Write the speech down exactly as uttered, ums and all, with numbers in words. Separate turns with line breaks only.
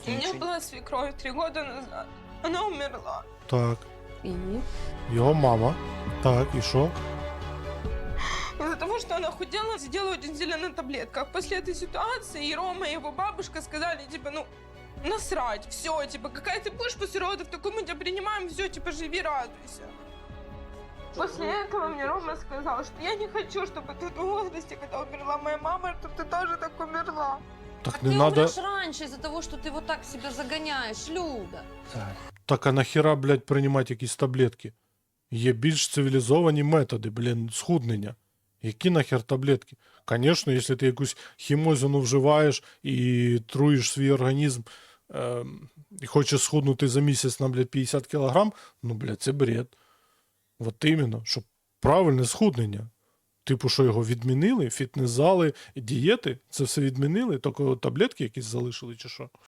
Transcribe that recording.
У меня была свекровь три года назад. Она умерла.
Так.
И?
Його мама. Так, і що?
Из-за того, что она худела, сидела очень сильно на таблетках. После этой ситуации и Рома, и его бабушка сказали, типа, ну, насрать, все, типа, какая ты будешь после родов, такой мы тебя принимаем, все, типа, живи, радуйся. После этого мне Рома сказал, что я не хочу, чтобы ты в том возрасте, когда умерла моя мама, чтобы ты тоже так умерла.
Так
Так
не
ты
надо.
умрешь раньше из-за того, что ты вот так себя загоняешь, Люда.
Так а нахіра, блядь, приймати якісь таблетки? Є більш цивілізовані методи, блін, схуднення. Які нахер таблетки? Звісно, якщо ти якусь хімозину вживаєш і труїш свій організм, е, і хочеш схуднути за місяць на, блядь, п'ятдесят кілограм, ну, блядь, це бред. От іменно, щоб правильне схуднення. Типу, що його відмінили, фітнес-зали, дієти, це все відмінили, тільки таблетки якісь залишили чи що?